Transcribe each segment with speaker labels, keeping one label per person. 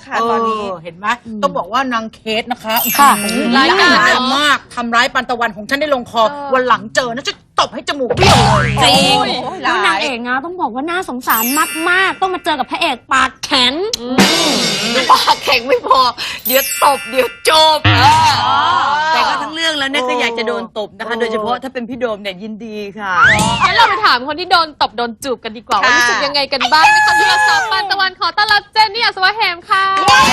Speaker 1: นะคะตอนนี้เห็นไหมต้องบอกว่านางเคสนะคะ
Speaker 2: ค่ะ
Speaker 1: ร้ายกาจมากทำร้ายปันตะวันของฉันได้ลงคอวันหลังเจอนะจะตบให้จมูกเบี้ยวเลย
Speaker 2: จริง
Speaker 3: แล้วนางเอกนะต้องบอกว่าน่าสงสารมากๆต้องมาเจอกับพระเอกปากแข็ง
Speaker 2: ปากแข็งไม่พอ เดี๋ยวตบเดี๋ยวจบแต่ก็ทั้งเรื่องแล้วเนี่ยก็อยากจะโดนตบนะคะ โดยเฉพาะถ้าเป็นพี่โดมเนี่ยยินดีค่ะ
Speaker 4: งั้นเราไปถามคนที่โดนตบโดนจูบกันดีกว่าว่ารู้สึกยังไงกันบ้างนะคะที่เราสาวปันตะวันขอต้อนรับเจนนี่อัศวะเหมค่ะ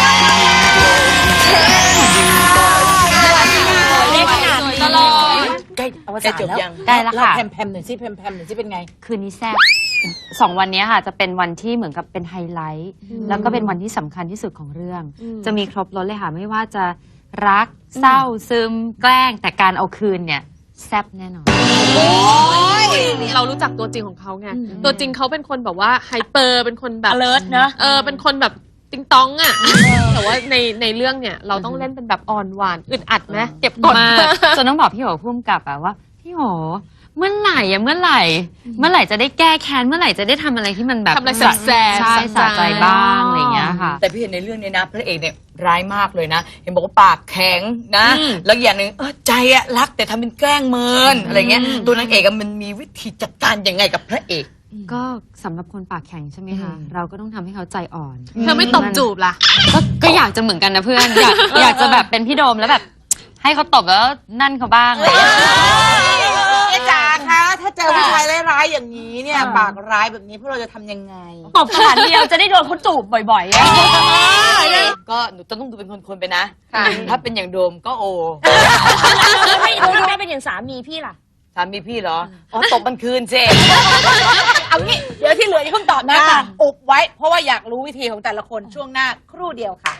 Speaker 3: เล่นขนาด
Speaker 4: สวย
Speaker 3: นี้
Speaker 4: ตลอด
Speaker 1: ใกล้อวสาน
Speaker 2: จบ
Speaker 1: แล้ว
Speaker 2: ยัง
Speaker 5: ใกล้แล้วค่ะ
Speaker 1: แพมๆหน่อยสิแพมๆหน่อยสิเป็นไง
Speaker 5: คืนนี้แซ่บ2 วันนี้ค่ะจะเป็นวันที่เหมือนกับเป็นไฮไลท์ แล้วก็เป็นวันที่สำคัญที่สุดของเรื่อง จะมีครบรถเลยค่ะ ไม่ว่าจะรักเศร้าซึมแกล้ง แต่การเอาคืนเนี่ยแซ่บแน่นอน
Speaker 4: เรารู้จักตัวจริงของเขาไง ตัวจริงเขาเป็นคนแบบว่าไฮเปอร์เป็นคนแบบ
Speaker 3: alert นะ
Speaker 4: เป็นคนแบบติงตองอ่ะแต่ว่าในเรื่องเนี่ยเราต้องเล่นเป็นแบบอ่อนหวานอึดอัดไหมเก็บกด
Speaker 5: มากจนต้องบอกพี่โหพุ่มกับอะว่าพี่โหเมื่อไหร่จะได้แก้แค้นเมื่อไหร่จะได้ทำอะไรที่มันแบบ
Speaker 4: ทำอะไรแสบๆ
Speaker 5: ใช่สะใจบ้างอะไรอย่างเงี้ยค่ะ
Speaker 2: แต่พี่เห็นในเรื่องนี้นะพระเอกเนี่ยร้ายมากเลยนะ เห็นบอกว่าปากแข็งนะ แล้วอย่างหนึ่งใจอะรักแต่ทำเป็นแกล้งเมินอะไรเงี้ยตัวนางเอกอะมันมีวิธีจัดการยังไงกับพระเอก
Speaker 5: ก็สำหรับคนปากแข็งใช่ไหมคะเราก็ต้องทำให้เขาใจอ่อน
Speaker 4: เธอไม่ตบจูบล่ะ
Speaker 5: ก็อยากจะเหมือนกันนะเพื่อน อยากจะแบบเป็นพี่โดมแล้วแบบ ให้เขาตบแล้วนั่นเขาบ้างเลย
Speaker 1: เอ๊ะจ๋าคะถ้าเจอผู้ชายร้ายๆอย่างนี้เนี่ยปากร้ายแบบนี้พวกเราจะทำยังไง
Speaker 3: ตบสถานเดียวจะได้โดนเขาจูบบ่อยๆอะ
Speaker 2: ก็หนูต้องดูเป็นคนๆไปนะ ถ้าเป็นอย่างโดมก็โอ
Speaker 3: แล้วไม่รู้ได้เป็นอย่างสามีพี่ล่ะ
Speaker 2: สามีพี่เหรอ อ๋อตบมันคืนเจ
Speaker 1: เอางี้เดี๋ยวที่เหลืออย่าเพิ่งตอบนะอุบไว้ เพราะว่าอยากรู้วิธีของแต่ละคนช่วงหน้าครู่เดียวค่ะ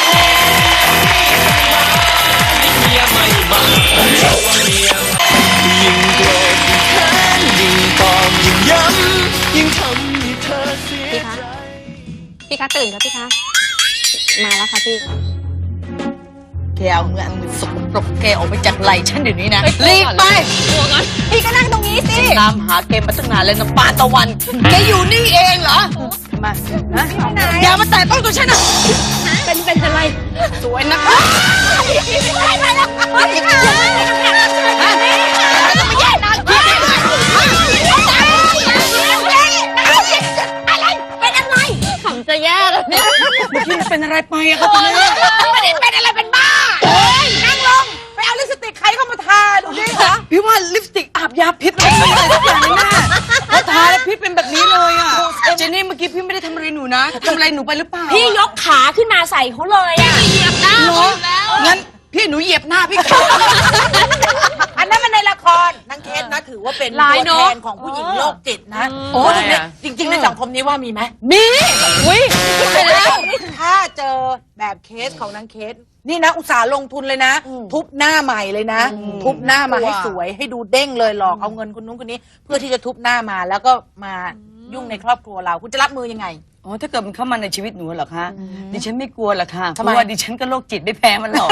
Speaker 6: ยิ่งโกรธยิ่งแค้นยิ่งตอกยิ่งย้ำยิ่งทำให้เธอเสียใจ
Speaker 3: พี่คะตื่นครับพี่คะมาแล้วค่ะพี่
Speaker 2: แกเอาเงินสกปรกแกออกไปจากไหล่ฉันเดี๋ยวนี้นะรีบไป
Speaker 3: พี่ก็นั่งตรงนี้สิ
Speaker 2: ตามหาแกมาตั้งนานแล้วนะปานตะวัน แกอยู่นี่เองเหรอ มานะอย่ามาแตะต้องตัวฉันนะ
Speaker 3: เป็นอะไร
Speaker 2: สวยนะขำจะแย่แล้วเนี่ยเมื่อกี้เป็นอะไรไปอะครับคุณแม่
Speaker 1: ไม่ได้เป็นอะไรเป็นบ้านั่งลง ไปเอาลิปสติกใครเข้ามาทาดูดิคะ
Speaker 2: พี่ว่าลิปสติกอาบยาพิษอะไรสักอย่างนึงแม่พอทาแล้วพิษเป็นแบบนี้เลยอ่ะเจนนี่เมื่อกี้พี่ไม่ได้ทำอะไรหนูนะทำอะไรหนูไปหรือเปล่า
Speaker 3: พี่ยกขาขึ้นมาใส่เขาเลยอะ
Speaker 4: เหยียบหน้า
Speaker 2: เหร
Speaker 4: เขา
Speaker 2: อ
Speaker 4: อยู่แล้ว
Speaker 2: งั้นพี่หนูเหยียบหน้าพี่ก่อน
Speaker 1: อันนั้นมันในละครนางเคสนะถือว่าเป็น
Speaker 4: ร้าย
Speaker 1: ตัว
Speaker 4: เนอะ
Speaker 1: แทนของผู้หญิงโรคจิตนะ
Speaker 2: โอ้
Speaker 1: โอ้
Speaker 2: ทำไมอะ
Speaker 1: จริงๆในสังคมนี้ว่ามีไหม
Speaker 2: มีอุ้ยไปแล้ว
Speaker 1: ถ้าเจอแบบเคสของนางเคส นี่นะอุตส่าห์ลงทุนเลยนะ ทุบหน้าใหม่เลยนะ ทุบหน้ามาให้สวยให้ดูเด้งเลยหลอกเอาเงินคนนู้นคนนี้ เพื่อที่จะทุบหน้ามาแล้วก็มายุ่งในครอบครัวเราคุณจะรับมือยังไง
Speaker 2: อ๋อถ้าเกิดมันเข้ามาในชีวิตหนูเหรอคะดิฉันไม่กลัวหรอกค่ะเพ
Speaker 1: ทำไม
Speaker 2: ราะว่าดิฉันก็โรคจิตไม่แพ้มันหรอก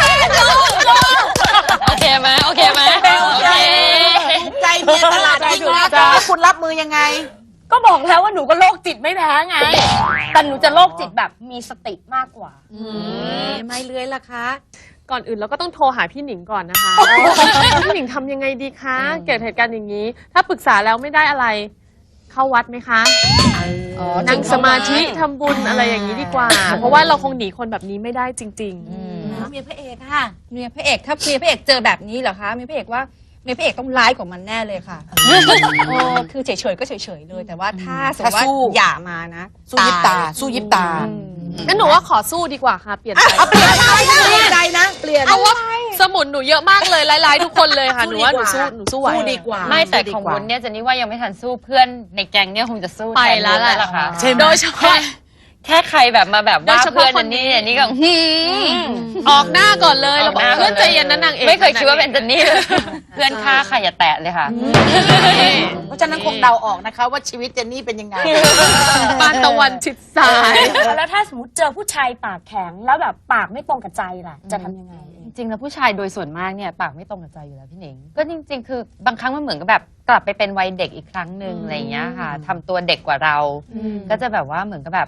Speaker 5: โอเคไหมโอเคไหม
Speaker 1: โอเคใจเมียตลาดจริงนะคุณรับมือยังไง
Speaker 3: ก็บอกแล้วว่าหนูก็โรคจิตไม่แพ้ไง แต่หนูจะโรคจิตแบบมีสติมากกว่า
Speaker 1: ไม่เลื้อยล่ะคะ
Speaker 4: ก่อนอื่นเราก็ต้องโทรหาพี่หนิงก่อนนะคะ พี่หนิงทำยังไงดีคะ เกิดเหตุการณ์อย่างนี้ ถ้าปรึกษาแล้วไม่ได้อะไร เข้าวัดไหมคะ นั่งสมาธิทำบุญอะไรอย่างนี้ดีกว่า เพราะว่าเราคงหนีคนแบบนี้ไม่ได้จริง
Speaker 1: เมียพระเอกค่ะ
Speaker 7: เมียพระเอกถ้าเมียพระเอกเจอแบบนี้เหรอคะเมียพระเอกว่าเมียพระเอกต้องร้ายกว่ามันแน่เลยค่ะคือเฉยๆก็เฉยๆเลย แต่ว่าถ้าสมมติว่า
Speaker 1: ถ้าสู้
Speaker 7: อย่ามานะ
Speaker 1: สู้ยิบตา สู้ยิบตา
Speaker 4: ๆ งั้นหนูว่าขอสู้ดีกว่าค่ะ เปลี่ยนใจ
Speaker 1: เปลี่ยนใจนะ เปลี่ยน
Speaker 4: เพราะว่าสมุนหนูเยอะมากเลยร้ายๆทุกคนเลยค่ะ หนูว่าหนูสู้ไหว
Speaker 1: สู้ดีกว่า
Speaker 5: ไม่แต่ของวุ้นเนี่ยเจนนี่ว่ายังไม่ทันสู้เพื่อนในแก๊งเนี่ยคงจะสู้
Speaker 4: ไป
Speaker 5: ทน
Speaker 4: แล้วแหละ
Speaker 5: วุ้นค่ะ
Speaker 1: ใช่ไหม
Speaker 4: โดยเฉพาะ
Speaker 5: แค่ใครแบบมาแบบ
Speaker 4: โดย
Speaker 5: ว่า
Speaker 4: เฉ
Speaker 5: เพื่
Speaker 4: พาะ
Speaker 5: อน
Speaker 4: ค
Speaker 5: เจ
Speaker 4: น
Speaker 5: น
Speaker 4: นี้
Speaker 5: นี่เนี่ยนี่ก็
Speaker 4: ออกหน้าก่อนเลยเราบอกเพื่อนใจเย็นนะนางเอก
Speaker 5: ไม่เคยคิดว่าเป็นเจนนี่เลยเพื่อนฆ่าใครอย่าแตะเลยค่ะ
Speaker 1: เพราะฉะนั้นคงเดาออกนะคะว่าชีวิตเจนนี่เป็นยังไง
Speaker 4: ปานตะวันชิดซ้าย
Speaker 3: แล้วถ้าสมมติเจอผู้ชายปากแข็งแล้วแบบปากไม่ตรงกับใจล่ะ จะทำยังไง
Speaker 5: จริงๆแล้วผู้ชายโดยส่วนมากเนี่ยปากไม่ตรงกับใจอยู่แล้วพี่หนิงก็จริงๆ คือบางครั้งมันเหมือนกับแบบกลับไปเป็นวัยเด็กอีกครั้งหนึ่งอะไรอย่างเงี้ยค่ะทำตัวเด็กกว่าเรา ก็จะแบบว่าเหมือนกับแบบ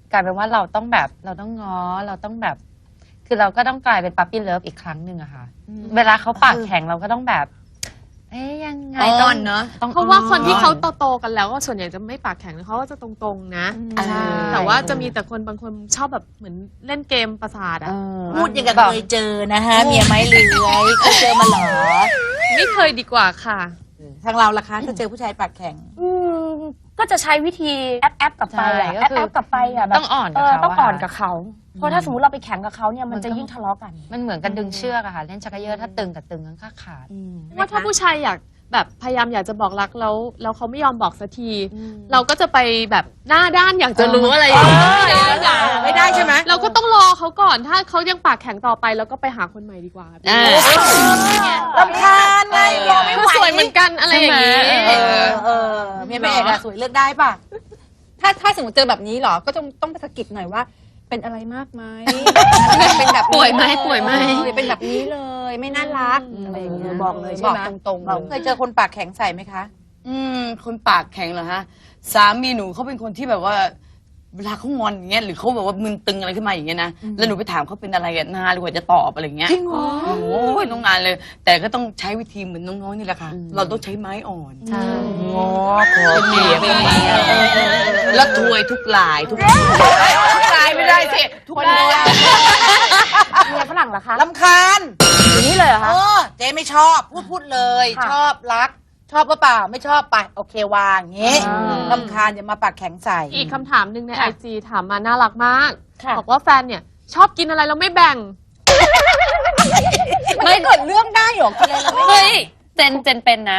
Speaker 5: กลายเป็นว่าเราต้องแบบเราต้องง้อเราต้องแบบ คือเราก็ต้องกลายเป็นปั๊ปปี้เลิฟอีกครั้งหนึ่งอะค่ะ เวลาเขาปากแข็งเราก็ต้องแบบ เอ๊ยยังไง
Speaker 2: อ้
Speaker 5: ต้
Speaker 2: อ
Speaker 5: อง
Speaker 2: นเนอะ
Speaker 5: ต้อง
Speaker 4: เพราะว่าคนที่เขา
Speaker 2: อ่อน
Speaker 4: โตๆกันแล้วก็ส่วนใหญ่จะไม่ปากแข็งนะเขาก็จะตรงๆนะ
Speaker 5: ใช่
Speaker 4: แต่ว่าจะมีแต่คนบางคนชอบแบบเหมือนเล่นเกมประสาท
Speaker 5: เอ
Speaker 4: อะ
Speaker 5: อ
Speaker 1: พูดอย่างกับเคยเจอนะฮะเมียไม้เลื้อยเคยเจอมาเหรอ
Speaker 4: ไม่เคยดีกว่าค่ะ
Speaker 1: ทางเราล่ะคะถ้าเจอผู้ชายปากแข็ง
Speaker 3: ก็จะใช้วิธีแอปกลับไปอะ
Speaker 5: ใช่ก็
Speaker 3: แอ
Speaker 5: คือ
Speaker 3: ปกลับไปอะแบบ
Speaker 5: ต้องอ่อนกับเขา
Speaker 3: ต้องอ่อน
Speaker 5: อะ
Speaker 3: กับเขา เพราะถ้าสมมติเราไปแข่งกับเขาเนี่ยมันจะยิ่งทะเลาะกัน
Speaker 5: มันเหมือนกันดึงเชือกอะค่ะ เล่นชักเขย่อถ้าตึงกับตึงก็ขาด
Speaker 4: ว่าถ้าผู้ชายอยากแบบพยายามอยากจะบอกรักแล้วเขาไม่ยอมบอกสักที เราก็จะไปแบบหน้าด้านอยากจะรู้อะไรอย่างเงี้ย
Speaker 1: ไม่ได้ใช่ไหม
Speaker 4: เราก็ต้องรอเขาก่อนถ้าเขายังปากแข็งต่อไปเราก็ไปหาคนใหม่ดีกว่า
Speaker 1: รำคาญไงรอไม่
Speaker 4: คือ
Speaker 1: ไหว
Speaker 4: สวยเหมือนกันอะไรอย่างงี้
Speaker 1: เมียพระเอกอะสวยเลือกได้ป่ะ
Speaker 7: ถ้าสมมติเจอแบบนี้เหรอ ก็ต้องไปสะกิดหน่อยว่า เป็นอะไรมากไหม เป็นแบบนี้
Speaker 4: ป่วยไหมป่วยไหม
Speaker 7: เป็นแบบนี้เลย ไม่น่ารักอะไรอย่างเงี้ย
Speaker 1: บอกเลยใช่
Speaker 7: บอก
Speaker 1: ไหม
Speaker 7: ตรงๆ
Speaker 1: เรา
Speaker 7: เลย
Speaker 1: เคยเจอคนปากแข็งใส่ไหมคะ
Speaker 2: คนปากแข็งเหรอฮะ สามีหนูเขาเป็นคนที่แบบว่า เวลาเขางอนอย่างเงี้ยหรือเขาแบบว่ามึนตึงอะไรขึ้นมาอย่างเงี้ยนะแล้วหนูไปถามเขาเป็นอะไรอะนานกว่าจะตอบอะไรอย่างเงี้ย
Speaker 1: จริงเหรอ
Speaker 2: โอ้ยต้องนานเลย แต่ก็ต้องใช้วิธีเหมือนน้องๆนี่แหละค่ะ เราต้องใช้ไม้อ่อน
Speaker 5: ๆใช่
Speaker 2: งอขอเกลี่ยไปแล้วถวยทุกลายทุกลายไม่ได้สิทุกลาย
Speaker 3: เมียฝรั่งเหรอคะ
Speaker 1: ลำคาญ
Speaker 3: อย่างนี้เลยเหรอคะ
Speaker 1: เจ๊ไม่ชอบพูดเลย
Speaker 3: ค่ะ
Speaker 1: ชอบรัก ชอบก็เปล่าไม่ชอบไปโอเควางอย่างงี้
Speaker 3: อ่า
Speaker 1: ลำคาญอย่ามาปากแข็งใส่
Speaker 4: อีกคำถามหนึ่งในไอจีถามมาน่ารักมาก
Speaker 3: ค่ะ
Speaker 4: บอกว่าแฟนเนี่ยชอบกินอะไรแล้วไม่แบ่ง
Speaker 7: มันจะเกิดเรื่องได้เหรอกินอะไรเราไม่
Speaker 5: เฮ้ยเจนเป็นนะ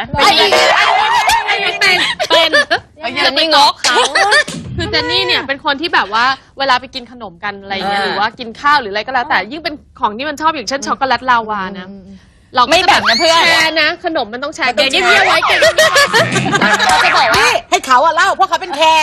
Speaker 4: เป็นเจนนี่งกเขาคือเจนนี่เนี่ยเป็นคนที่แบบว่าเวลาไปกินขนมกันอะไรอย่างเงี้ยหรือว่ากินข้าวหรืออะไรก็แล้วแต่ยิ่งเป็นของที่มันชอบอย่างเช่นช็อกโกแลตลาวานะเราก็
Speaker 5: ไม่แบ่งนะเพื่อน
Speaker 4: แชร์นะขนมมันต้องแชร์เก็บเงียบๆไว้เก็บเงียบๆไว้เราจะบอกว่า
Speaker 1: นี่ให้เขาอะเล่าเพราะเขาเป็นแขก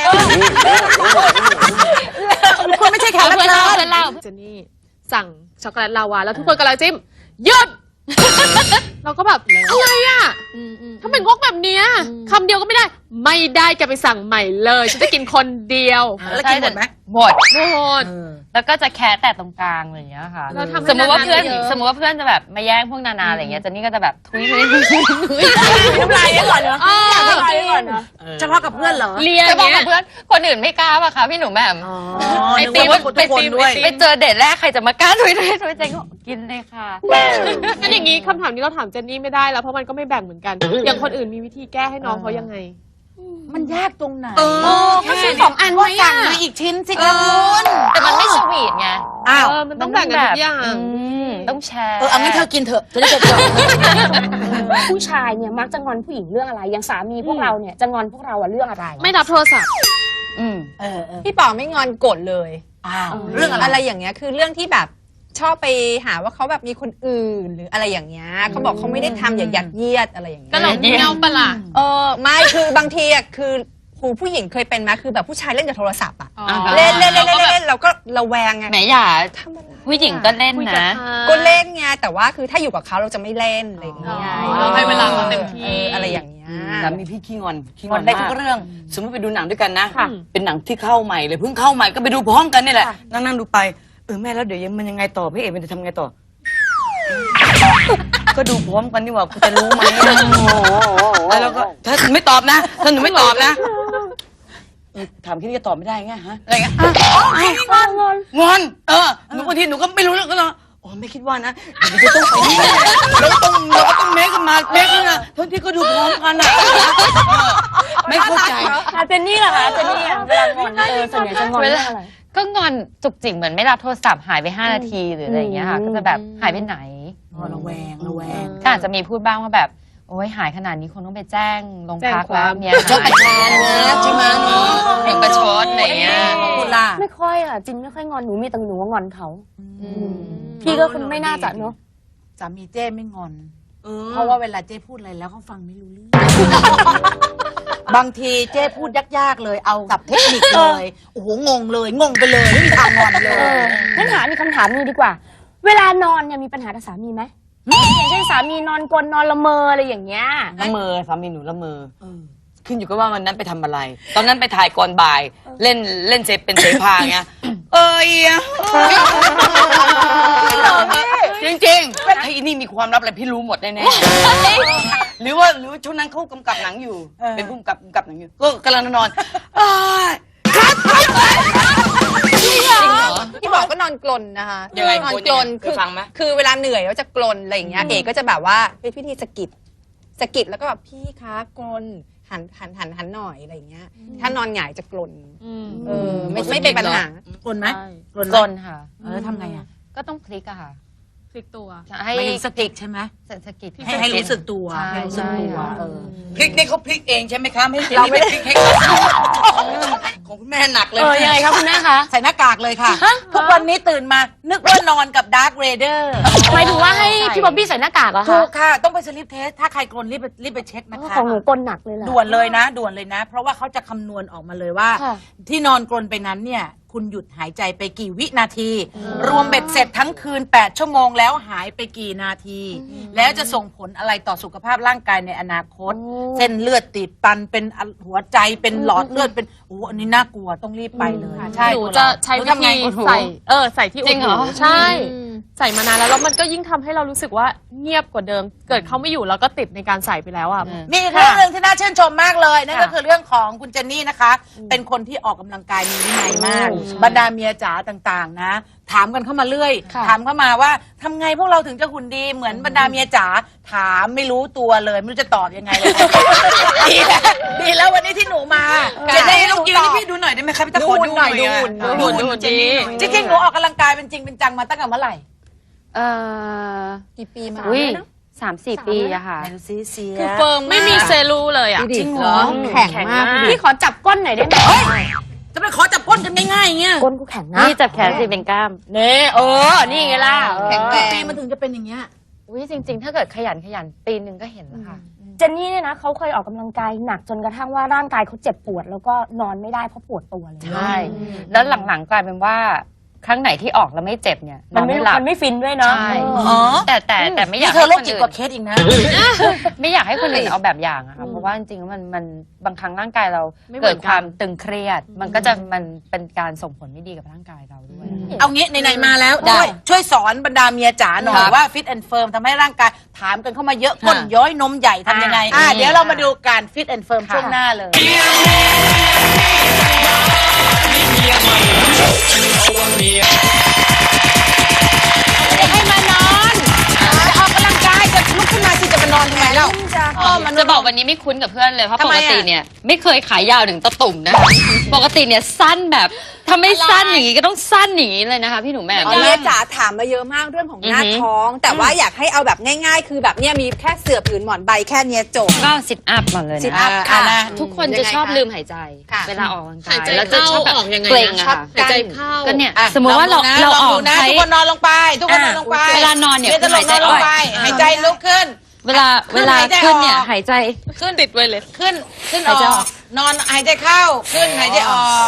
Speaker 1: คุณไม่ใช่แขกรับ
Speaker 5: เพื่อน
Speaker 1: เชิ
Speaker 5: เล่า
Speaker 1: ญ
Speaker 5: เพื่อนเล่า
Speaker 4: เจนนี่สั่งช็อกโกแลตลาวาแล้วทุกคนกำลังจิ้มหยุด เราก็แบบอะไรอ่ะถ้าเป็นงกแบบเนี้ยคำเดียวก็ไม่ได้ ไม่ได้แกไปสั่งใหม่เลยฉันจะกินคนเดียว
Speaker 1: แล้วกินหมดไหม
Speaker 5: หมด
Speaker 4: โหด
Speaker 5: แล้วก็จะแคะแต่ตรงกลางอะไรอย่างเงี้ยค่ะ
Speaker 4: เราทำให้
Speaker 5: สมมติว่าเพื่อน
Speaker 4: นานาเยอะ
Speaker 5: สมมติว่าเพื่อนจะแบบมาแย่งพวกนานาอะไรอย่างเงี้ยเจนนี่ก็จะแบบทุย
Speaker 3: น้ำลายไว้ก่อนเนาะน้ำลายไว้ก่อนเนาะ
Speaker 1: เฉพาะกับเพื่อนเหรอ
Speaker 4: เลีย
Speaker 5: จะบอก
Speaker 4: เนี่
Speaker 5: กับ
Speaker 4: ย
Speaker 5: เพื่อนคนอื่นไม่กล้าป่ะคะพี่หนูแหม่ม
Speaker 1: ไอติมทุกคนด้วย
Speaker 5: ไปเจอเดทแรกใครจะมากล้าทุยเจนก็กินเลยค่ะ
Speaker 4: งั้นอย่างนี้คำถามนี้เราถามเจนนี่ไม่ได้แล้วเพราะมันก็ไม่แบ่งเหมือนกัน อย่างคนอื่นมีวิธีแก้ให้น้องเขายังไง
Speaker 1: มันยากตรงไหน
Speaker 3: ก็ซื้อ2 อัน
Speaker 1: ก็
Speaker 3: ไว้
Speaker 1: สั่
Speaker 3: อะ
Speaker 1: งมาอีกชิ้นสิคะคุณ
Speaker 5: แต่มันไม่สวีทไง
Speaker 1: อ้าว
Speaker 4: มันต้องแบ่งกันทุกอย่าง
Speaker 5: ต้องแชร์
Speaker 1: เอางั้นเธอกินเถอะจะได้จบ
Speaker 3: ผู้ชายเนี่ยมักจะงอนผู้หญิงเรื่องอะไร อย่างสามีพวกเราเนี่ยจะงอนพวกเราอะเรื่องอะไร
Speaker 4: ไม่รับโทรศัพท์
Speaker 7: พี่ป๋อไม่งอนโกรธเลย
Speaker 1: อ้าวเรื่องอะไร
Speaker 7: อะไรอย่างเงี้ยคือเรื่องที่แบบชอบไปหาว่าเขาแบบมีคนอื่นหรืออะไรอย่างเงี้ยเขาบอกเขาไม่ได้ทำอย่ายัดเยียดอะไรอย่างเงี้ย
Speaker 4: ก็เราเงี้ยวปะล่ะ
Speaker 7: ไม่คือบางทีอ่ะคือผู้หญิงเคยเป็นไหมคือแบบผู้ชายเล่นกับโทรศัพท์อ่ะ
Speaker 4: อ๋อ
Speaker 7: เล่นเราก็ระแวงไง
Speaker 5: แหมอย่าผู้หญิงก็เล่น
Speaker 4: คุยกับ
Speaker 5: นะ
Speaker 4: ใคร
Speaker 7: ก็เล่นไงแต่ว่าคือถ้าอยู่กับเขาเราจะไม่เล่นอะไรอย่างเงี้ย
Speaker 4: เราให้เวลาเขาเต็มที่
Speaker 7: อะไรอย่างเงี้ย
Speaker 2: สามีพี่ขี้งอนขี้
Speaker 1: งอนได้ทุก
Speaker 2: มาก
Speaker 1: เรื่อง
Speaker 2: สมมติไปดูหนังด้วยกันนะ
Speaker 4: ค่ะ
Speaker 2: เป็นหนังที่เข้าใหม่เลยเพิ่งเข้าใหม่ก็ไปดูพร้อมกันนี่แหละนั่งดูไปแม่แล้วเดี๋ยวมันยังไงต่อพี่เอกมันจะทำไงต่อ ก็ดูพร้อมกันดีกว่ากูจะรู้ไหมแล้วก็ถ้าหนูไม่ตอบนะถ้าหนูไม่ตอบนะถามแค่นี้จะตอบไม่ได้ไงฮะอะไรเงี้ยงอนหนูบางทีหนูก็ไม่รู้เรื่องก็เลยอ๋อไม่คิดว่านะเดี๋ยวจะต้องไปนี่เราก็ต้องเมคกันมาเมคกันนะทั้งที่ก็ดูพร้อมกันอ่ะไม่เข้าใจ
Speaker 3: เจนนี่เหรอคะเจนนี่อะเวลางอนส่วนใหญ่จะงอนเรื่องอะไร
Speaker 5: ก็งอนจุกจิกเหมือนไม่รับโทรศัพท์หายไป5 นาทีหรืออะไรอย่างเงี้ยค่ะก็จะแบบหายไปไหน
Speaker 1: ระแวง
Speaker 5: ก็อาจจะมีพูดบ้างว่าแบบโอ้ยหายขนาดนี้คงต้องไปแจ้งโรงพักแล้วเนี่ย
Speaker 1: ชอบประชานนะใช่ไหมเนาะ
Speaker 5: เด็กประชดอะไรอย่างเงี้ย
Speaker 1: คุณล่ะ
Speaker 3: ไม่ค่อยอะจินไม่ค่อยงอนหนูมีแต่หนูว่างอนเขาพี่ก็คุณไม่น่าจะเนาะ
Speaker 1: สามีเจ้ไม่งอน เพราะว่าเวลาเจ้พูดอะไรแล้วเขาฟังไม่รู้เรื่อง บางทีเจ้พูดยากๆเลยเอาสับเทคนิคเลยโอ้โหงงเลยงงไปเลยไม่มีทางงอนเลย
Speaker 3: งั้นถามมีกคำถามนี้ดีกว่า เวลานอนเนี่ยมีปัญหากับสามีไหมอย่างเช่นสามีนอนกลนนอนละเมออะไรอย่างเงี้ย
Speaker 2: ละเมอสามีหนูละเมอขึ้นอยู่กับว่าวันนั้นไปทำอะไร ตอนนั้นไปถ่ายก่อนบ่าย เล่นเซฟเป็นเสพาไงจริงๆไอ้นี่มีความลับอะไรพี่รู้หมดแน่ๆหรือว่าช่วงนั้นเขากำกับหนังอยู่ เป็นผู้กำกับหนังอยู่ ก็กำลังนอนคัด
Speaker 7: ที่บอกก็นอนกลนนะคะ
Speaker 2: ยังไง
Speaker 7: นอนกลน
Speaker 2: เคยฟังไหม
Speaker 7: คือเวลาเหนื่อยแล้วจะกลนอะไรอย่างเงี้ยเอกก็จะแบบว่าเป็นพิธีสะกิดแล้วก็แบบพี่คะกลนหันหน่อยอะไรอย่างเงี้ย ถ้านอนหงายจะกลนไม่เป็นปัญหา
Speaker 1: กลนไหม
Speaker 5: ใช่
Speaker 1: กลนไหม
Speaker 5: กลนค่ะ
Speaker 1: แล้วทำไงอ่ะ
Speaker 5: ก็ต้องพลิกอะค่ะ
Speaker 4: พลิกตัว
Speaker 5: ให้
Speaker 1: ไม่ถึงสติกใช่ไหม
Speaker 5: สะกิด
Speaker 1: ให้รู้สึกตัว
Speaker 5: ใช่
Speaker 1: ให้รู้สึกตัว
Speaker 5: ใช่
Speaker 2: พริกนี่เขาพริกเองใช่ไหมคะไม่ใช่เราไม่ได้พริกให้ของคุณแม่หนักเลย
Speaker 3: ยังไงคะคุณแม่คะ
Speaker 1: ใส่หน้ากากเลยค่ะ ทุกวันนี้ตื่นมานึกว่านอนกับดาร์คเรเดอร์
Speaker 3: หมายถึงว่าให้พี่บ๊อบบี้ใส่หน้ากากเหรอ
Speaker 1: ถู
Speaker 3: คะ
Speaker 1: กค่ะ ต้องไปสลิปเทส ถ้าใครกลนรีบไปเช็คนะคะ
Speaker 3: ของหนูกลนหนักเลยแหละ
Speaker 1: ด่วนเลยนะ ด่วนเลยนะ เพราะว่าเขาจะคำนวณออกมาเลยว่า
Speaker 3: ค่ะ
Speaker 1: ที่นอนกลนไปนั้นเนี่ย คุณหยุดหายใจไปกี่วินาที รวมเบ็ดเสร็จทั้งคืน 8 ชั่วโมงแล้วหายไปกี่นาที แล้วจะส่งผลอะไรต่อสุขภาพร่างกายในอนาคต เส้นเลือดตีบตันเป็นหัวใจเป็นหลอดเลือดเป็นโอ้อันนี้น่ากลัวต้องรีบไปเลยใช่
Speaker 4: หนูจะใช้วิ
Speaker 1: หนูทำไง
Speaker 4: ธีใส่ใส่ที่
Speaker 5: จริงเหรอ
Speaker 4: ใช่ ใส่มานานแล้วมันก็ยิ่งทำให้เรารู้สึกว่าเงียบกว่าเดิม เกิดเขาไม่อยู่แล้วก็ติดในการใส่ไปแล้วอ่ะ
Speaker 1: มีอีกเรื่องหนึ่งที่น่าชื่นชมมากเลย นั่นก็คือเรื่องของคุณเจนนี่นะคะ เป็นคนที่ออกกำลังกายมีวินัยมาก บรรดาเมียจ๋าต่างๆ นะ ถามกันเข้ามาเรื่อย ถามเข้ามาว่าทำไงพวกเราถึงจะหุ่นดีเหมือนบรรดาเมียจ๋าถามไม่รู้ตัวเลยไม่รู้จะตอบยังไงเลย ดีแล้ววันนี้ที่หนูมา
Speaker 2: จะได้ลูกยืนให้พี่ดูหน่อยได้ไหมคะพี่ตะโกนดูหน่อย
Speaker 1: ดูหุ่น
Speaker 2: ดูหุ่นจริง
Speaker 1: จริงๆหนูออกกำลังกายเป็นจริงเป็นจังมาตั้งแต่เมื่อไหร่
Speaker 7: กี่ปีมา
Speaker 5: อุ้ย
Speaker 7: แล้วนะ
Speaker 5: 3-4 ปีอะค่ะ
Speaker 1: ไหนดูซิเสีย
Speaker 3: คือเฟิร์ม
Speaker 4: ไม่มีเซลูเลยอ่ะ
Speaker 1: จริงเหรอ
Speaker 3: แข็งมากพี่ขอจับก้นหน่อยได้ไหม
Speaker 1: จะไปขอจับก้นกันง่ายๆอย่างเงี้ย
Speaker 3: ก้นกูแข็งนะ
Speaker 5: นี่จับแขนสิเป็นกล้าม
Speaker 3: นี่ไงล่ะ
Speaker 7: แข็งแรง
Speaker 1: ปีมันถึงจะเป็นอย่างเงี้ย
Speaker 5: อุ้ยจริง ๆ ถ้าเกิดขยันปีนึงก็เห็นแล้วค่ะ
Speaker 3: เจนนี่เนี่ยนะเขาเคยออกกำลังกายหนักจนกระทั่งว่าร่างกายเขาเจ็บปวด แล้วก็นอนไม่ได้เพราะปวดตัวเลย
Speaker 5: ใช่ แล้วหลังๆกลายเป็นว่าครั้งไหนที่ออกแล้วไม่เจ็บเนี่ย
Speaker 3: มันไม่
Speaker 5: หลับ
Speaker 3: มันไม่ฟินด้วยเนาะ
Speaker 5: ใช่
Speaker 1: อ๋อ
Speaker 5: แต่ไม่อยาก
Speaker 1: นี่เธอโรค
Speaker 5: ให้
Speaker 1: จิต
Speaker 5: คน
Speaker 1: กว่า
Speaker 5: อื่น
Speaker 1: เคสอีกนะ
Speaker 5: ไม่อยากให้คนอื่นเอาแบบอย่างอะค่ะเพราะว่าจริงๆแล้วมันบางครั้งร่างกายเรา
Speaker 4: ไม่เหมื
Speaker 5: เกิ
Speaker 4: อ
Speaker 5: ด
Speaker 4: นกัน
Speaker 5: ความตึงเครียด มันก็จะมันเป็นการส่งผลไม่ดีกับร่างกายเราด้วยอะ
Speaker 1: เอางี้ไหนๆมาแล้วช่วยสอนบรรดาเมียจ๋าหน่อยว่าฟิตแอนด์เฟิร์มทำให้ร่างกายถามกันเข้ามาเยอะก้นย้อยนมใหญ่ทำยังไงเดี๋ยวเรามาดูการฟิตแอนด์เฟิร์มช่วงหน้าเลย ให้มานอนจะออกกำลังกายจะลุกขึ้นมาสิจะมานอนทำไมเล่า
Speaker 5: จะบอกวันนี้ไม่คุ้นกับเพื่อนเลยเพราะ
Speaker 1: ทำ
Speaker 5: ป
Speaker 1: ไม
Speaker 5: ก
Speaker 1: อะ
Speaker 5: ติเนี่ยไม่เคยขายาวถึงตะตุ่มนะ ปกติเนี่ยสั้นแบบถ้าไม่สั้นอย่างนี้ก็ต้องสั้นอย่างนี้เลยนะคะพี่หนูแหม่ม
Speaker 7: เมียจ๋าถามมาเยอะมากเรื่องของหน้า
Speaker 5: อือหือ
Speaker 7: ท้อง แต่ว่าอยากให้เอาแบบง่ายๆ คือแบบเนี้ยมีแค่เสื่อผืนหมอนใบแค่เนี้ยจบ
Speaker 5: ก็ซิทอัพก่อนเลย
Speaker 7: ซิท
Speaker 5: นะ
Speaker 7: อัพค่ะ
Speaker 5: ทุกคนจะชอบลืมหายใจ
Speaker 7: ค่ะ
Speaker 5: เวลาออกกำลังกา
Speaker 4: หาย ยใจ
Speaker 5: แล้วจะชอบแบบ
Speaker 4: เข้าออกยังไงนะ
Speaker 5: เกร็งอะค่ะ
Speaker 4: หายใจเข้า
Speaker 5: ก็เนี่ย
Speaker 1: อ่ะ
Speaker 5: สมมติว่าเรา
Speaker 1: ล
Speaker 5: อ
Speaker 1: อง
Speaker 5: อก
Speaker 1: ดูนะ
Speaker 5: ใช้
Speaker 1: ทุกคนนอนลงไป ทุกคนนอนลงไป
Speaker 5: เวลานอนเนี่ย
Speaker 1: จะลงนอนลงไปหายใจลุกขึ้น
Speaker 5: เวลา
Speaker 1: ขึ้นหายใจ
Speaker 5: ขึ้นเนี่ย
Speaker 1: ออก
Speaker 5: หายใจ
Speaker 1: ขึ้น
Speaker 4: ติดไว้เลย
Speaker 1: ขึ้นอ
Speaker 5: หายใจ
Speaker 1: อ
Speaker 5: ออก ก
Speaker 1: นอนหายใจเข้าขึ้นหายใจออก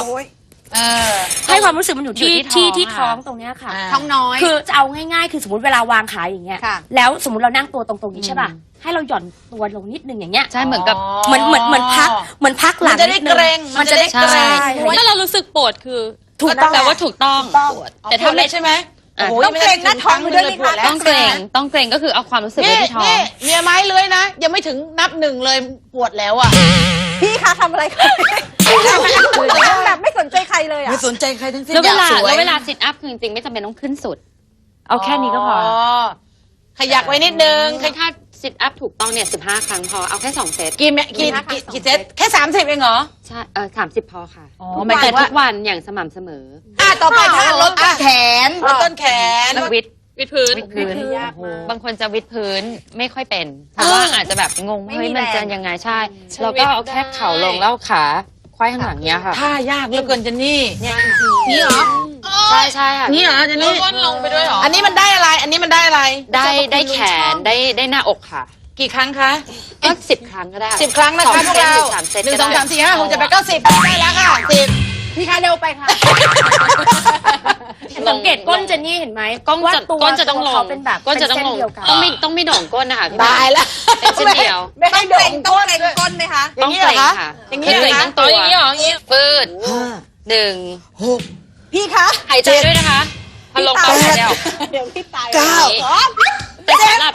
Speaker 3: ให้ความรู้สึกมันอยู่ที่
Speaker 5: อยู่ที่
Speaker 3: ที่
Speaker 5: ท้อง
Speaker 3: ที่ท้องตรงเนี้ยค่ะ
Speaker 7: ท้องน้อย
Speaker 3: คือจะเอาง่ายๆ คือสมมติเวลาวางขาอย่างเงี้ย
Speaker 7: ค่ะ
Speaker 3: แล้วสมมติเรานั่งตัวตรงๆนี้ใช่ป่ะ ให้เราหย่อนตัวลงนิดนึงอย่างเงี้ย
Speaker 5: ใช่เหมือนกับ
Speaker 3: เหมือนพักหลั
Speaker 1: มั
Speaker 3: ง
Speaker 1: นจะได้
Speaker 3: นินึ
Speaker 1: เกรง
Speaker 3: มันจะได้
Speaker 5: ใช่
Speaker 3: เกรง
Speaker 4: ถ้าเรารู้สึกปวดคือ
Speaker 3: ถูกต้อง
Speaker 5: แปลว่าถูกต้อง
Speaker 1: แต่ทำได้ใช่ไหม
Speaker 5: อ่ะ
Speaker 1: โอ้ย
Speaker 7: ต้องเกรงหน้าท้องด้วยนี่ค่ะ
Speaker 5: ต้องเกรงต้องเกรงก็คือเอาความรู้สึกไว้
Speaker 1: นี่
Speaker 5: ที่ท้อง
Speaker 1: นี่เมียไม้เลื้อยนะ ยังไม่ถึงนับหนึ่งเลยปวดแล้วอ่ะ
Speaker 7: พี่คะทำอะไรคะแบบไม่สนใจใครเลยอ่ะ
Speaker 1: ไม่สนใจใครทั้งสิ้น
Speaker 5: แล้วเวลา
Speaker 1: อยกสย
Speaker 5: แล้วเวลาซิทอัพคือจริงๆไม่จำเป็นต้องขึ้นสุด เอาแค่นี้ก็พอ
Speaker 1: ขยักไว้นิดนึง
Speaker 5: ถ้าซิทอัพถูกต้องเนี่ย15 ครั้งพอ เอาแค่ 2 เซต
Speaker 1: กี่เซตแค่30เองเหรอ
Speaker 5: ใช่30 พอค่ะ
Speaker 1: อ๋อหมายถึ
Speaker 5: แต่
Speaker 1: งว่า
Speaker 5: ทุกวันอย่างสม่ำเสมอ
Speaker 1: ต่อไปถ้าลดต้นแขนลดต้นแขน
Speaker 5: แล้ววิด
Speaker 4: วิดพื้น
Speaker 5: พื้น
Speaker 7: ยากมาก
Speaker 5: บางคนจะวิดพื้นไม่ค่อยเป็น เพราะว่าอาจจะแบบงง
Speaker 7: ไม่
Speaker 5: เฮ้ย
Speaker 7: มี
Speaker 5: มันจะ
Speaker 7: แรง
Speaker 5: ยังไงใช่ เราก็เอาแค่เข่าลงแล้วเอาขาควายข้างหลังเนี้ยค่ะ
Speaker 1: ท่ายากเหลือเกินเจนนี่
Speaker 7: นี่เหรอ
Speaker 5: ใช่ใช่ค่ะ
Speaker 1: นี่เหรอเจนนี่
Speaker 4: ก้นลงไปด้วยเหรอ
Speaker 1: อันนี้มันได้อะไร อันนี้มันได้อะไร
Speaker 5: ได้แขนได้หน้าอกค่ะ
Speaker 1: กี่ครั้งคะ
Speaker 5: ก็10 ครั้งก็ได้
Speaker 1: 10 ครั้งนะคะพวกเรา
Speaker 5: 3 เซต
Speaker 1: 1 2
Speaker 5: ก็ได้
Speaker 1: 3 4 5 6 7 8 9 10ได้แล้วค่ะ10
Speaker 7: พี่คะเร็วไปค่ะ
Speaker 3: สังเกตตก้นเจนนี่เห็นไหม
Speaker 5: ก้น
Speaker 3: ว่า
Speaker 5: จะ
Speaker 3: ตัว
Speaker 5: ก้นจะต้องล
Speaker 3: เขา
Speaker 5: ง
Speaker 3: เป็นแบบ
Speaker 5: ก้นจะต้องลง
Speaker 3: เส้นเดียวกัน
Speaker 5: ต้องไม่โด่งก้นนะคะพี่
Speaker 1: ตายแล้ว
Speaker 5: เป็นเส้นเดียว
Speaker 1: ไม่ให้
Speaker 7: เก
Speaker 1: โด่
Speaker 7: รง ง
Speaker 1: ก้
Speaker 7: ต้อง
Speaker 1: น
Speaker 7: เกรงก้นไหมคะ
Speaker 5: ต้องเกรงค่ะ
Speaker 7: อย่างนี้
Speaker 5: เก
Speaker 7: เหร
Speaker 5: ร
Speaker 7: อง คะ
Speaker 5: ทั้งตัว
Speaker 3: อย่างนี้เหรออย่างนี้
Speaker 5: ฟืดหนึ่ง
Speaker 7: พี่คะ
Speaker 5: หายใจด้วยนะคะพอลงปั๊บหายใจออก
Speaker 7: เดี๋ยวพี่ตาย
Speaker 5: แต่สำหรั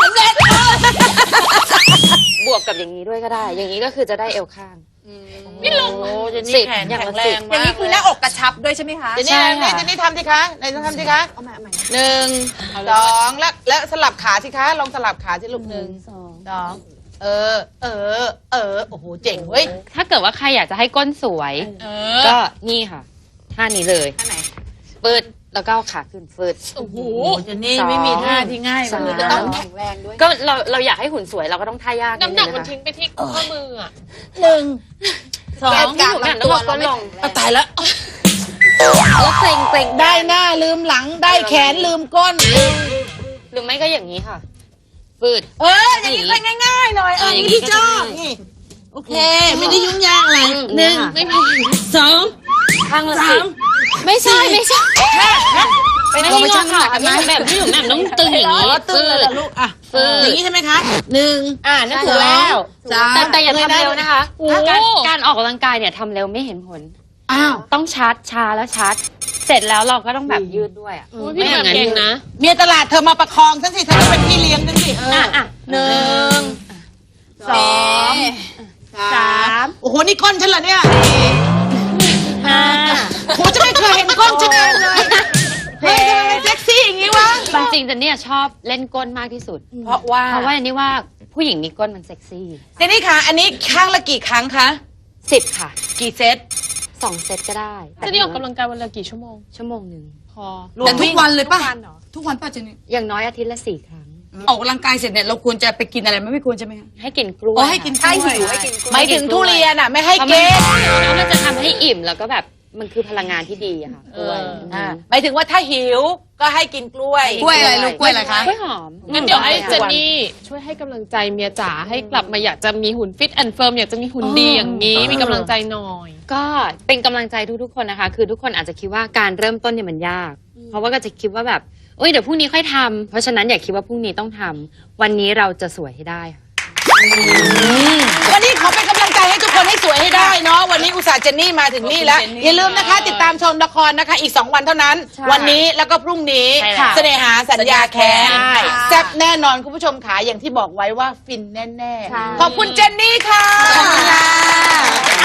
Speaker 5: บบวกกับอย่างนี้ด้วยก็ได้ อย่างนี้ก็คือจะได้เอวข้าง
Speaker 1: ไม่ลงโอ้เจน
Speaker 5: สิ
Speaker 1: นี่
Speaker 5: บ
Speaker 1: แขน
Speaker 5: อย่าง
Speaker 1: แข็
Speaker 5: ละ
Speaker 1: งแร
Speaker 5: สิบ
Speaker 1: ง
Speaker 7: อย่าม
Speaker 1: าง ก
Speaker 7: นี้คือหน้าอกกระชับด้วยใช่ไหมคะ
Speaker 1: เจนนี่เจนนี่ทำสิคะไหนต้องทำสิคะ
Speaker 7: เอาใหม่
Speaker 1: 1 2แล้วสลับขาสิคะลองสลับขาสิลูก1 2โอ้โหเจ๋งเว้ย
Speaker 5: ถ้าเกิดว่าใครอยากจะให้ก้นสวย ก็นี่ค่ะท่านี้เลย
Speaker 7: ท่าไหน
Speaker 5: ฟืดแล้วก็เอาขาขึ้นฟืด
Speaker 3: โอ้โห
Speaker 1: โอ้เจนนี่ไม่มีท่าที่ง่าย
Speaker 5: สาม
Speaker 1: เลย
Speaker 7: ต้องแข็งแรงด้วย
Speaker 5: ก็เราอยากให้หุ่นสวยเราก็ต้องท่ายาก
Speaker 3: น้ำหนัก
Speaker 5: ดง
Speaker 3: มัน
Speaker 5: นะคะ
Speaker 3: ทิ้งไปที่ข้อมืออ่ะ
Speaker 1: 1 2
Speaker 5: พี่หนูแหม่มต้องเอาก้นลง
Speaker 1: เอาตายแล้ว
Speaker 5: แล้วเกรง
Speaker 1: ได้หน้าลืมหลังได้แขนลืมก้น
Speaker 5: หรือไม่ก็อย่างนี้ค่ะ ฟืด
Speaker 1: อย่างนี้ค่อยง่ายๆหน่อย
Speaker 5: อย่างนี้
Speaker 1: นี่พี่ชอบ
Speaker 5: ก็จะง่าย
Speaker 1: นี่โอเค ไม่ได้ยุ่งยากอะไร
Speaker 5: หนึ่งไม่มีข้างละสิบไม่ใช่ไม่ใช่ไม่ให้งอขากันนะแบบพี่หนูแหม่มต้องตึงอย่างนี้
Speaker 1: ตึ้งเลยเหรอลูกอ่ะ
Speaker 5: ฟืด
Speaker 1: อย่างนี้ใช่ไหมคะ1
Speaker 3: นั่นถูกแล้ว
Speaker 5: แต่อย่าทำเร็วนะคะ
Speaker 3: โอ้
Speaker 5: ถ้าการออกกำลังกายเนี่ยทำเร็วไม่เห็นผล
Speaker 1: อ้าว
Speaker 5: ต้องชาร์จชาแล้วชาร์จเสร็จแล้วเราก็ต้องแบบยืดด้วยอ่ะ
Speaker 3: อุ๊ยพี่หม่ำเก่งนะ
Speaker 1: เมียตลาดเธอมาประคองฉันสิเธอเป็นพี่เลี้ยงฉันสิ1 2 3โอ้โหนี่ก้นฉันเหรอเนี่ยโหจะไม่เคยเห็นก้นฉันเลยเฮ้ยทำไมมันเซ็กซี่อย่างนี้วะ
Speaker 5: จริงๆแต่เนี่ยชอบเล่นก้นมากที่สุด
Speaker 1: เพราะว่า
Speaker 5: เพราะว่าอันนี้ว่าผู้หญิงมีก้นมันเซ็กซี่
Speaker 1: เจนนี่คะอันนี้ข้างละกี่ครั้งคะ
Speaker 5: 10 ค่ะ
Speaker 1: กี่เซต
Speaker 5: 2 เซตก็ได้
Speaker 3: จะได้ออกกำลังกายวันละกี่ชั่วโมง
Speaker 5: ชั่วโมงหนึ่ง
Speaker 3: พอ
Speaker 1: แต่ทุกวันเลยป่ะ
Speaker 7: ทุกวันป่ะเจนนี่
Speaker 5: อย่างน้อยอาทิตย์ละ 4 ครั้ง
Speaker 1: ออกกำลังกายเสร็จเนี่ยเราควรจะไปกินอะไรไม่ควรใช่ไหมคะ
Speaker 5: ให้กินกล้วย
Speaker 1: อ๋อให้กิน
Speaker 5: ค่ะ
Speaker 1: กล้วย
Speaker 7: ให้กินกล้วย
Speaker 1: หมายถึงทุเรียนอ่ะไม่ให้
Speaker 5: เพราะ
Speaker 1: เก
Speaker 5: มันจะทำให้อิ่มแล้วก็แบบมันคือพลังงานที่ดีอะค่ะกล้วย
Speaker 1: หมายถึงว่าถ้าหิวก็ให้กินกล้วย
Speaker 5: กล้วยอะไรลูกกล้วยอะไรคะ กล้วยหอม
Speaker 3: งั้นเดี๋ยวให้เจนนี่ช่วยให้กำลังใจเมียจ๋าให้กลับมาอยากจะมีหุ่นฟิตแอนด์เฟิร์มอยากจะมีหุ่นดีอย่างนี้ มีกำลังใจหน่อย
Speaker 5: ก็เป็นกำลังใจทุกๆคนนะคะ คือทุกคนอาจจะคิดว่าการเริ่มต้นเนี่ยมันยาก เพราะว่าก็จะคิดว่าแบบเอ้ยเดี๋ยวพรุ่งนี้ค่อยทำเพราะฉะนั้นอย่าคิดว่าพรุ่งนี้ต้องทำวันนี้เราจะสวยให้ได้ค่ะ
Speaker 1: วันนี้ขอเป็นกำลังใจให้ทุกคนให้สวยให้ได้เนาะวันนี้อุตส่าห์เจนนี่มาถึงนี่แล้ว อย่าลืมนะคะ ติดตามชมละครนะคะอีก 2 วันเท่านั้น วันนี้แล้วก็พรุ่งนี้
Speaker 5: ใช่แล้ว
Speaker 1: เสน่หาสัญญาแค้น
Speaker 5: ใช่
Speaker 1: แซ่บแน่นอนคุณผู้ชมขาอย่างที่บอกไว้ว่าฟินแน่ๆขอบคุณเจนนี่ค่ะ
Speaker 5: ขอบคุณค่ะ